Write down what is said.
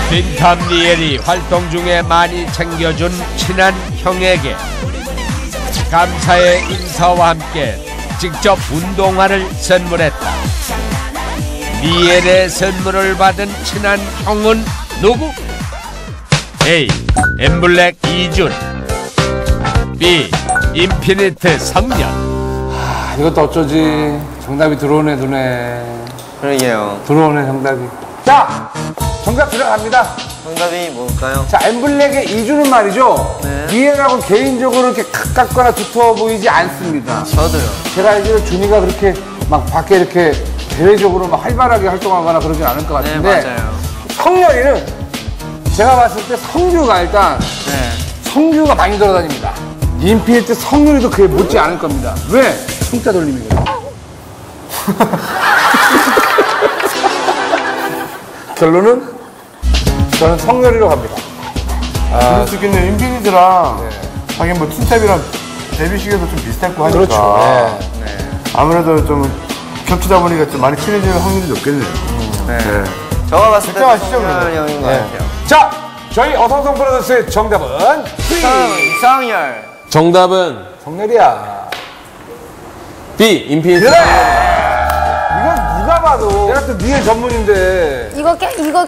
빈탐 리엘이 활동 중에 많이 챙겨준 친한 형에게 감사의 인사와 함께 직접 운동화를 선물했다. 리엘의 선물을 받은 친한 형은 누구? A. 엠블랙 이준, B. 인피니트 성년. 이것도 어쩌지. 정답이 들어오네 눈에. 그러게요. 들어오네 정답이. 자, 정답 들어갑니다. 정답이 뭘까요? 자, 엠블랙의 이주는 말이죠. 네. 리엘하고 개인적으로 이렇게 가깝거나 두터워 보이지 않습니다. 저도요. 제가 알기로 준이가 그렇게 막 밖에 이렇게 대외적으로 막 활발하게 활동하거나 그러진 않을 것 네, 같은데. 맞아요. 성렬이는 제가 봤을 때 성규가 일단 네. 성규가 많이 돌아다닙니다. 인피니트 성렬이도 그에 못지 않을 겁니다. 왜? 승자 돌림이거든요. 결론은 저는 성렬이로 갑니다. 그럴 수 있겠네요. 인피니트랑 하긴 뭐 틴탑이랑 데뷔 시기도 좀 비슷했고 하니까. 그렇죠. 네. 아무래도 좀 겹치다 보니까 좀 많이 친해질 확률이 높겠네요. 네. 네. 저가 봤을 때 걱정하시죠, 성렬 그래도. 형인 것 네. 같아요. 자, 저희 어성성 브라더스의 정답은 성렬. 정답은 성렬이야. B. 인피니트. 그래! 이건 누가 봐도 내가 또 니의 전문인데 이거